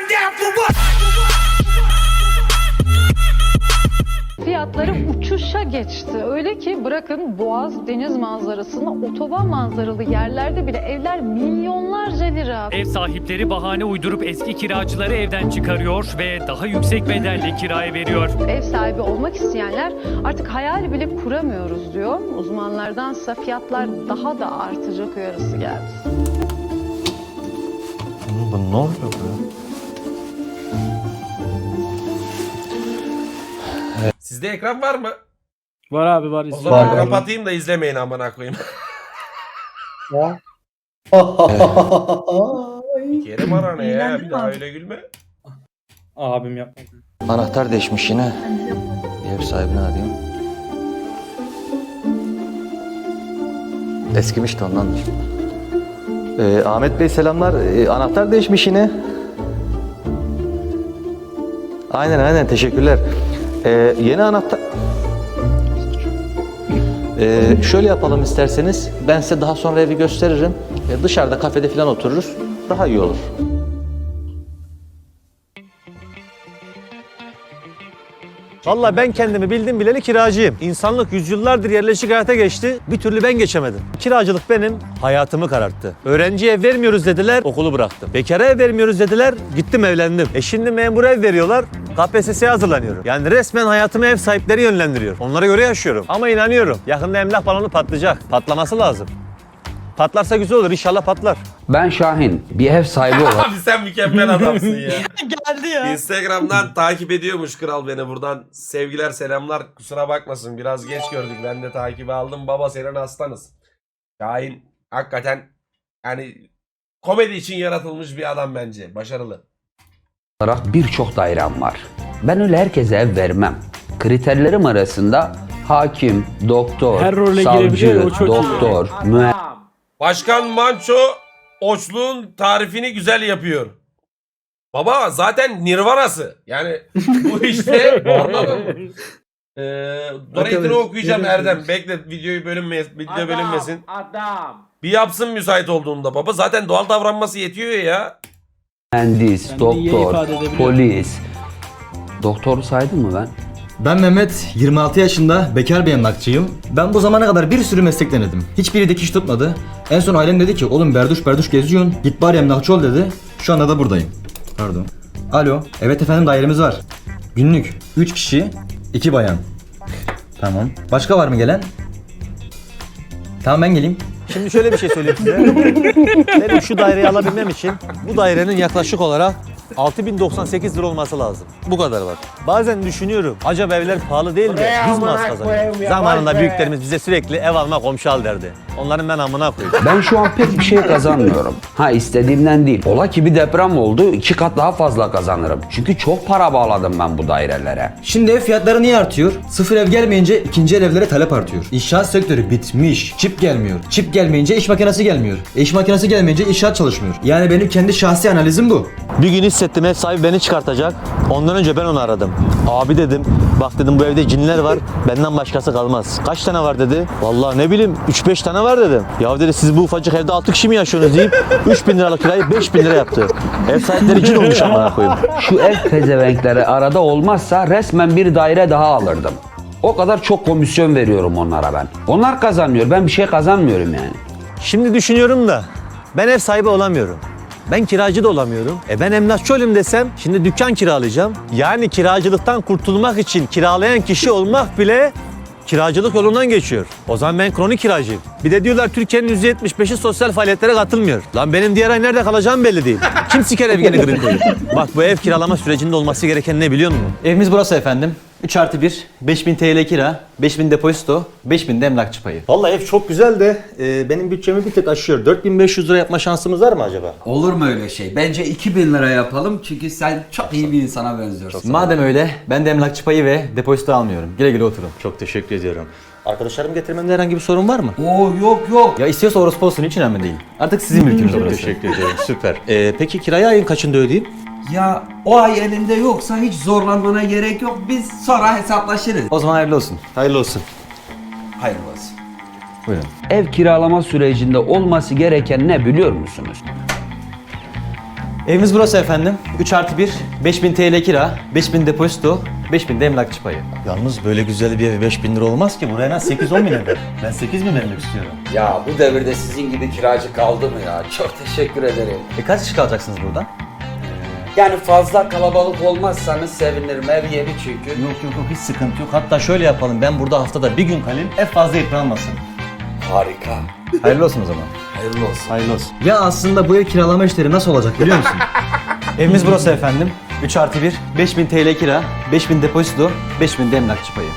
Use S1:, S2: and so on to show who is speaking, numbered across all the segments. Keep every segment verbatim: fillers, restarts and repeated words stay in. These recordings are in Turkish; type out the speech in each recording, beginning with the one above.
S1: Fiyatları uçuşa geçti. Öyle ki bırakın boğaz, deniz manzarasını, otoban manzaralı yerlerde bile evler milyonlarca lira.
S2: Ev sahipleri bahane uydurup eski kiracıları evden çıkarıyor ve daha yüksek bedelle kiraya veriyor.
S1: Ev sahibi olmak isteyenler artık hayal bile kuramıyoruz diyor. Uzmanlardansa fiyatlar daha da artacak uyarısı geldi.
S3: Bu ne oluyor bu?
S4: Sizde ekran var mı?
S5: Var abi var.
S4: O zaman
S3: Var.
S4: kapatayım da izlemeyin amına koyayım. Kerim ara ne ya? Bir daha öyle gülme.
S5: Abim yapma.
S3: Anahtar değişmiş yine. Bir ev sahibini arayayım. Eskimiş de ondandır. Ee, Ahmet Bey selamlar. Ee, anahtar değişmiş yine. Aynen aynen teşekkürler. Ee, yeni anahtar... Ee, şöyle yapalım isterseniz. Ben size daha sonra evi gösteririm. Ee, dışarıda kafede falan otururuz. Daha iyi olur.
S6: Vallahi ben kendimi bildim bileli kiracıyım. İnsanlık yüzyıllardır yerleşik hayata geçti. Bir türlü ben geçemedim. Kiracılık benim hayatımı kararttı. Öğrenciye ev vermiyoruz dediler, okulu bıraktım. Bekara ev vermiyoruz dediler, gittim evlendim. E şimdi memur ev veriyorlar, K P S S'ye hazırlanıyorum. Yani resmen hayatımı ev sahipleri yönlendiriyor. Onlara göre yaşıyorum. Ama inanıyorum, yakında emlak balonu patlayacak. Patlaması lazım. Patlarsa güzel olur, inşallah patlar.
S7: Ben Şahin, bir ev sahibi olarak
S4: Abi sen mükemmel adamsın ya.
S5: Geldi ya.
S4: Instagram'dan takip ediyormuş kral beni, buradan sevgiler selamlar, kusura bakmasın biraz geç gördük, ben de takibi aldım. Baba senin hastanız. Şahin hakikaten yani komedi için yaratılmış bir adam bence, başarılı.
S7: birçok dairem var. Ben öyle herkese ev vermem. Kriterlerim arasında hakim, doktor,
S5: Her role
S7: savcı,
S5: girebiliyor, o çok iyi.
S7: doktor, mühendis,
S4: Başkan Manço Oçluğun tarifini güzel yapıyor. Baba zaten Nirvana'sı. Yani bu işte anladın mı? Ee, Donate'ini okuyacağım Erdem. Bekle videoyu bölünmesin, video bölünmesin.
S8: Adam.
S4: Bir yapsın müsait olduğunda baba. Zaten doğal davranması yetiyor ya.
S7: mühendis,
S5: Ben de iyi
S7: doktor,
S5: ifade edebiliyorum.
S7: polis. Doktoru saydım mı ben?
S9: Ben Mehmet, yirmi altı yaşında, bekar bir emlakçıyım. Ben bu zamana kadar bir sürü meslek denedim. Hiçbiri dikiş tutmadı. En son ailem dedi ki, oğlum berduş berduş geziyorsun, git bari emlakçı ol dedi. Şu anda da buradayım. Pardon. Alo, evet efendim dairemiz var. Günlük üç kişi, iki bayan. Tamam. Başka var mı gelen? Tamam ben geleyim.
S6: Şimdi şöyle bir şey söyleyeyim size. Benim şu daireyi alabilmem için bu dairenin yaklaşık olarak altı bin doksan sekiz lira olması lazım. Bu kadar var. Bazen düşünüyorum, acaba evler pahalı değil de biz mi az kazanıyoruz? Zamanında büyüklerimiz bize sürekli ev alma, komşu al derdi. Onların ben amına koyayım.
S7: Ben şu an pek bir şey kazanmıyorum. Ha istediğimden değil. Ola ki bir deprem oldu, iki kat daha fazla kazanırım. Çünkü çok para bağladım ben bu dairelere.
S9: Şimdi ev fiyatları niye artıyor? Sıfır ev gelmeyince ikinci el evlere talep artıyor. İnşaat sektörü bitmiş. Çip gelmiyor. Çip gelmeyince iş makinesi gelmiyor. E, iş makinesi gelmeyince inşaat çalışmıyor. Yani benim kendi şahsi analizim bu.
S6: Bir gün hissettim ev sahibi beni çıkartacak. Ondan önce ben onu aradım. Abi dedim, bak dedim bu evde cinler var, benden başkası kalmaz. Kaç tane var dedi. Vallahi ne bileyim üç beş tane var dedim. Ya dedi siz bu ufacık evde altı kişi mi yaşıyorsunuz deyip üç bin liralık kirayı beş bin lira yaptı. Ev sahipleri cin olmuş amına koyayım.
S7: Şu ev pezevenkleri arada olmazsa resmen bir daire daha alırdım. O kadar çok komisyon veriyorum onlara ben. Onlar kazanmıyor, ben bir şey kazanmıyorum yani.
S6: Şimdi düşünüyorum da ben ev sahibi olamıyorum. Ben kiracı da olamıyorum. E ben emlakçı olayım desem şimdi dükkan kiralayacağım. Yani kiracılıktan kurtulmak için kiralayan kişi olmak bile kiracılık yolundan geçiyor. O zaman ben kronik kiracıyım. Bir de diyorlar Türkiye'nin yüzde yetmiş beşi sosyal faaliyetlere katılmıyor. Lan benim diğer ay nerede kalacağım belli değil. Kim siker ev gene green koyuyor. Bak bu ev kiralama sürecinde olması gereken ne biliyor musun?
S9: Evimiz burası efendim. üç artı bir, beş bin T L kira, beş bin depozito, beş bin de emlakçı payı.
S6: Vallahi ev çok güzel de e, benim bütçemi bir tık aşıyor. dört bin beş yüz lira yapma şansımız var mı acaba?
S10: Olur mu öyle şey? Bence iki bin lira yapalım çünkü sen çok iyi bir insana benziyorsun.
S9: Madem öyle, ben de emlakçı payı ve depozito almıyorum. Güle güle oturun.
S6: Çok teşekkür ediyorum. Arkadaşlarım getirmemde herhangi bir sorun var mı?
S10: Oo yok yok.
S9: Ya istiyorsa orospu olsun, hiç önemli değil. Artık sizin mülkünüz orası.
S6: Teşekkür ediyorum. Süper. E, peki kirayı ayın kaçında ödeyeyim?
S10: Ya o ay elinde yoksa hiç zorlanmana gerek yok. Biz sonra hesaplaşırız.
S9: O zaman hayırlı olsun.
S6: Hayırlı olsun.
S10: Hayırlı olsun.
S9: Buyurun.
S7: Ev kiralama sürecinde olması gereken ne biliyor musunuz?
S9: Evimiz burası efendim. üç artı bir, beş bin T L kira, beş bin depozito, beş bin de emlakçı payı. Yalnız böyle güzel bir ev beş bin lira olmaz ki. Buraya en az sekiz on bin eder. Ben sekiz bin vermek istiyorum.
S7: Ya bu devirde sizin gibi kiracı kaldı mı ya? Çok teşekkür ederim.
S9: E kaç kişi kalacaksınız burada?
S7: Yani fazla kalabalık olmazsanız sevinirim. Ev yeni çünkü.
S9: Yok yok yok hiç sıkıntı yok. Hatta şöyle yapalım. Ben burada haftada bir gün kalayım. Ev fazla yıpranmasın.
S7: Harika.
S9: Hayırlı olsun o zaman.
S7: Hayırlı olsun.
S9: Hayırlı olsun. Ya aslında bu ev kiralama işleri nasıl olacak biliyor musun? Evimiz burası efendim. üç artı bir, beş bin T L kira, beş bin depozito, beş bin de emlakçı payı.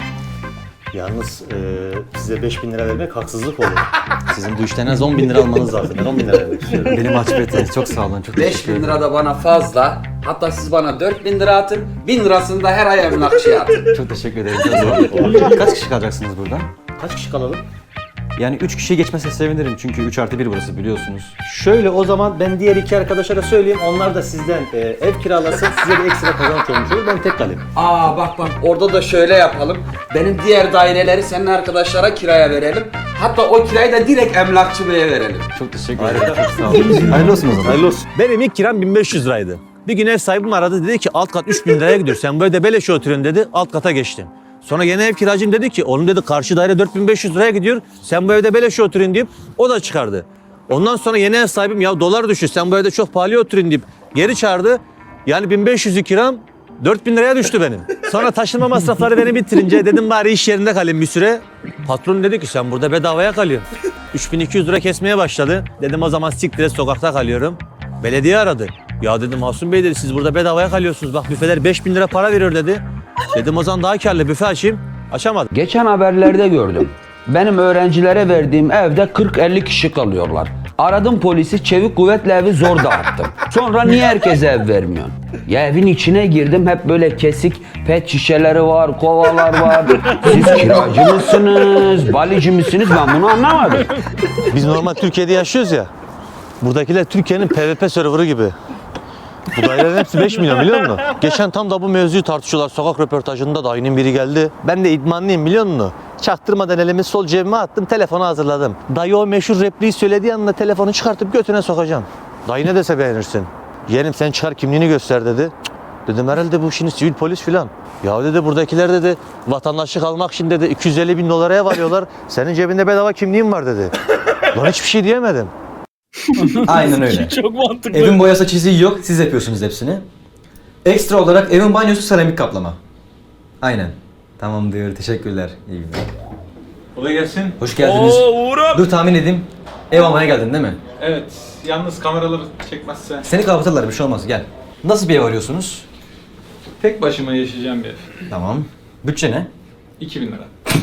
S9: Yalnız e, size beş bin lira vermek haksızlık olur. Sizin bu işten en az on bin lira almanız lazım. Ben on bin lira vermek istiyorum. Benim açbete. Çok sağ olun. Çok
S7: beş bin lira da bana fazla. Hatta siz bana dört bin lira atın. bin lirasını da her ay emlakçıya atın.
S9: Çok teşekkür ederim. Çok sağ olun. Kaç kişi kalacaksınız burada? Kaç kişi kalalım? Yani üç kişiye geçmese sevinirim çünkü üç artı bir burası biliyorsunuz. Şöyle o zaman ben diğer iki arkadaşa da söyleyeyim. Onlar da sizden e, ev kiralasın. Size bir ekstra kazanç olmuş olur. Ben tek kalayım.
S7: Aa bak bak orada da şöyle yapalım. Benim diğer daireleri senin arkadaşlara kiraya verelim. Hatta o kirayı da direkt emlakçı beye verelim.
S9: Çok teşekkür ederim. Çok sağ olun. Hayırlı olsun o zaman. Hayırlı olsun. Benim ilk kiram bin beş yüz liraydı. Bir gün ev sahibim aradı dedi ki alt kat üç bin liraya gidiyor. Sen böyle de beleşe oturuyorsun dedi. Alt kata geçtim. Sonra yeni ev kiracım dedi ki oğlum dedi karşı daire dört bin beş yüz liraya gidiyor. Sen bu evde beleşe oturun deyip o da çıkardı. Ondan sonra yeni ev sahibim ya dolar düştü sen bu evde çok pahalıya oturun deyip geri çağırdı. Yani bin beş yüzü kiram dört bin liraya düştü benim. Sonra taşınma masrafları beni bitirince dedim bari iş yerinde kalayım bir süre. Patron dedi ki sen burada bedavaya kalıyorsun. üç bin iki yüz lira kesmeye başladı. Dedim o zaman siktir et sokakta kalıyorum. Belediye aradı. Ya dedim Hasun Bey dedi siz burada bedavaya kalıyorsunuz. Bak büfeler beş bin lira para veriyor dedi. Dedim o zaman daha karlı büfe açayım. Açamadım.
S7: Geçen haberlerde gördüm. Benim öğrencilere verdiğim evde kırk elli kişi kalıyorlar. Aradım polisi çevik kuvvetle evi zor dağıttım. Sonra niye herkese ev vermiyorsun? Ya evin içine girdim hep böyle kesik pet şişeleri var, kovalar var. Siz kiracı mısınız, balici misiniz ben bunu anlamadım.
S6: Biz normal Türkiye'de yaşıyoruz ya. Buradakiler Türkiye'nin P V P serverı gibi. Bu dairelerin hepsi beş milyon biliyor musun? Geçen tam da bu mevzuyu tartışıyorlar. Sokak röportajında dayının biri geldi. Ben de idmanlıyım biliyor musun? Çaktırmadan elimi sol cebime attım, telefonu hazırladım. Dayı o meşhur repliği söylediği anda telefonu çıkartıp götüne sokacağım. Dayı ne dese beğenirsin. Yeğenim sen çıkar kimliğini göster dedi. Cık, dedim herhalde bu şimdi sivil polis filan. Ya dedi buradakiler dedi vatandaşlık almak için dedi iki yüz elli bin dolara varıyorlar. Senin cebinde bedava kimliğin var dedi. Lan hiçbir şey diyemedim.
S9: Aynen öyle.
S5: Çok mantıklı.
S9: Evin boyası çiziği yok. Siz yapıyorsunuz hepsini. Ekstra olarak evin banyosu seramik kaplama. Aynen. Tamam diyor. Teşekkürler. İyi günler.
S8: Kolay gelsin.
S9: Hoş geldiniz.
S8: Oo Uğur'um.
S9: Dur tahmin edeyim. Ev almaya geldin değil mi?
S8: Evet. Yalnız kameraları çekmezse.
S9: Seni kapatırlar bir şey olmaz. Gel. Nasıl bir ev arıyorsunuz?
S8: Tek başıma yaşayacağım bir ev.
S9: Tamam. Bütçe ne?
S8: iki bin lira.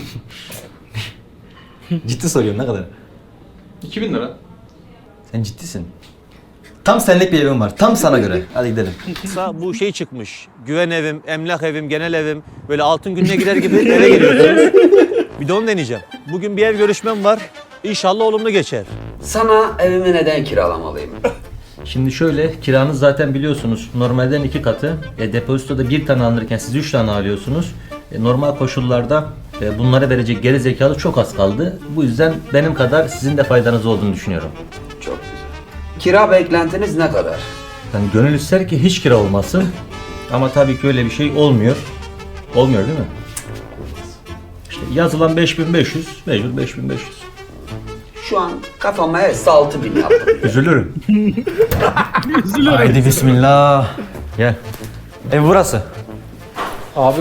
S9: Ciddi soruyorum ne kadar?
S8: iki bin lira.
S9: Sen ciddisin. Tam senlik bir evim var. Tam sana göre. Hadi gidelim.
S6: Bu şey çıkmış. Güven evim, emlak evim, genel evim. Böyle altın gününe gider gibi eve geliyorsunuz. Bir de onu deneyeceğim. Bugün bir ev görüşmem var. İnşallah olumlu geçer.
S7: Sana evimi neden kiralamalıyım?
S3: Şimdi şöyle, kiranız zaten biliyorsunuz normalden iki katı. E, depozitoda bir tane alınırken siz üç tane alıyorsunuz. E, normal koşullarda e, bunlara verecek geri zekalı çok az kaldı. Bu yüzden benim kadar sizin de faydanız olduğunu düşünüyorum.
S7: Çok güzel. Kira beklentiniz ne kadar?
S3: Yani gönül ister ki hiç kira olmasın. Ama tabii ki öyle bir şey olmuyor. Olmuyor değil mi? İşte yazılan beş bin beş yüz, mecbur beş bin beş yüz.
S7: Şu an kafama hepsi altı bin yaptım.
S3: Üzülürüm.
S9: Haydi bismillah. Gel. Ev burası.
S8: Abi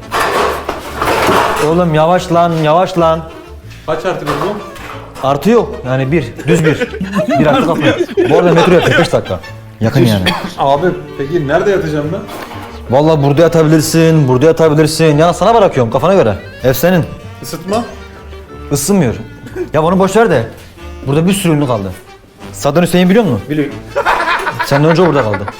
S9: Oğlum yavaş lan, yavaş lan.
S8: kaç artı bir bu?
S9: Artı yok. Yani bir, düz bir. Bir artı kapı. Bu arada metro yakın beş dakika. Yakın yani.
S8: Abi peki nerede yatacağım ben?
S9: Vallahi burada yatabilirsin, burada yatabilirsin. Ya sana bırakıyorum kafana göre. Ev senin.
S8: Isıtma.
S9: Isınmıyor. Ya bunu boş ver de. Burada bir sürü ünlü kaldı. Saddam Hüseyin biliyor musun?
S8: Biliyorum.
S9: Senden önce burada kaldı.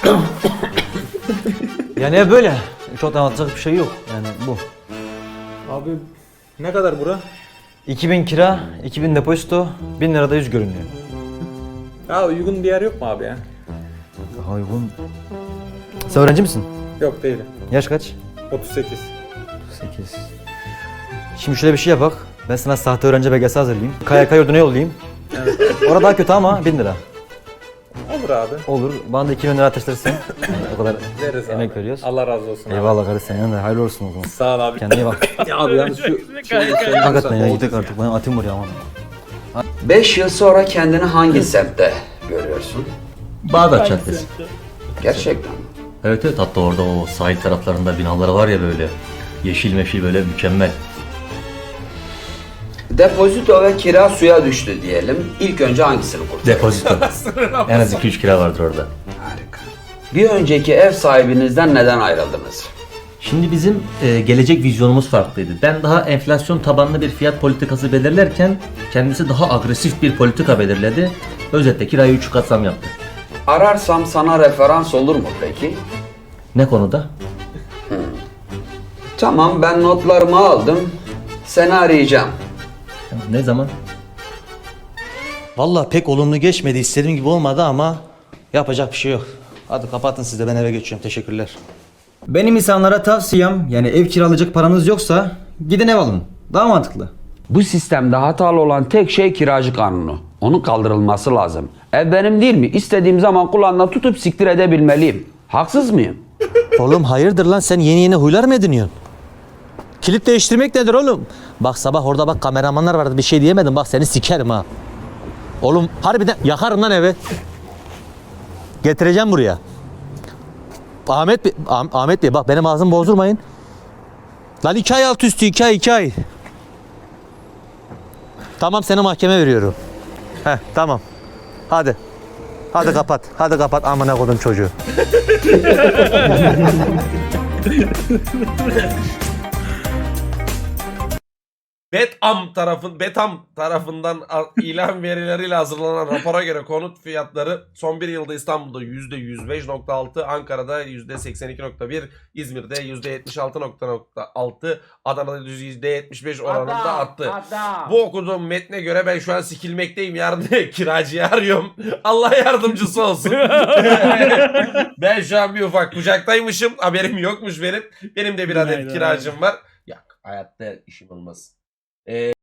S9: Yani ev böyle. Çok anlatacak bir şey yok. Yani bu.
S8: Abi ne kadar bura?
S9: iki bin kira, iki bin depozito, bin lirada yüz görünüyor.
S8: Ya uygun bir yer yok mu abi ya?
S9: Daha uygun. Sen öğrenci misin?
S8: Yok değilim.
S9: Yaş kaç?
S8: otuz sekiz.
S9: sekiz. Şimdi şöyle bir şey yapak. Ben sana sahte öğrenci belgesi hazırlayayım. K Y K yurduna yollayayım. Evet. Orada daha kötü ama bin lira.
S8: Olur abi.
S9: Olur. Bana da iki bin lira ateşlersin. O kadar
S8: Veririz abi.
S9: emek veriyoruz.
S8: Allah razı olsun abi.
S9: Eyvallah kardeş, senin de hayırlı olsun o zaman.
S8: Sağ ol abi.
S9: Kendine iyi bak.
S8: Ya abi yalnız şu...
S9: Hakikaten ya, gidecek artık. Bana atayım buraya aman.
S7: beş yıl sonra kendini hangi semtte görüyorsun?
S3: Bağdat Caddesi.
S7: Gerçekten.
S3: Evet evet, hatta orada o sahil taraflarında binaları var ya böyle. Yeşil meşil böyle mükemmel.
S7: Depozito ve kira suya düştü diyelim. İlk önce hangisini kurtarır?
S3: Depozito. En az iki üç kira vardır orada.
S7: Harika. Bir önceki ev sahibinizden neden ayrıldınız?
S3: Şimdi bizim e, gelecek vizyonumuz farklıydı. Ben daha enflasyon tabanlı bir fiyat politikası belirlerken kendisi daha agresif bir politika belirledi. Özetle kirayı üç kat zam yaptı.
S7: Ararsam sana referans olur mu peki?
S3: Ne konuda?
S7: Tamam, ben notlarımı aldım. Seni arayacağım.
S3: Ne zaman?
S6: Vallahi pek olumlu geçmedi. İstediğim gibi olmadı ama yapacak bir şey yok. Hadi kapatın, siz de, ben eve geçiyorum. Teşekkürler.
S9: Benim insanlara tavsiyem, yani ev kiralayacak paranız yoksa gidin ev alın. Daha mantıklı.
S7: Bu sistemde hatalı olan tek şey kiracı kanunu. Onun kaldırılması lazım. Ev benim değil mi? İstediğim zaman kulağından tutup siktir edebilmeliyim. Haksız mıyım?
S6: Oğlum hayırdır lan, sen yeni yeni huylar mı ediniyorsun? Kilit değiştirmek nedir oğlum? Bak sabah orada bak kameramanlar vardı, bir şey diyemedim, bak seni sikerim ha. Oğlum harbiden yakarım lan evi. Getireceğim buraya. Ahmet Bey, Ah- Ahmet Bey bak benim ağzımı bozdurmayın. Lan iki ay alt üstü, iki ay iki ay. Tamam, seni mahkeme veriyorum. Heh tamam. Hadi. Hadi kapat. Hadi kapat amına kodum çocuğu.
S4: Betam tarafın Betam tarafından a- ilan verileriyle hazırlanan rapora göre konut fiyatları son bir yılda İstanbul'da yüzde yüz beş nokta altı, Ankara'da yüzde seksen iki nokta bir, İzmir'de yüzde yetmiş altı nokta altı, Adana'da yüzde yetmiş beş oranında arttı. Bu okuduğum metne göre ben şu an sikilmekteyim. Yarın kiracıyı arıyorum. Allah yardımcısı olsun. Ben şu an bir ufak kucaktaymışım. Haberim yokmuş benim. Benim de bir adet kiracım var. Yok, hayatta işim olmaz. Ee,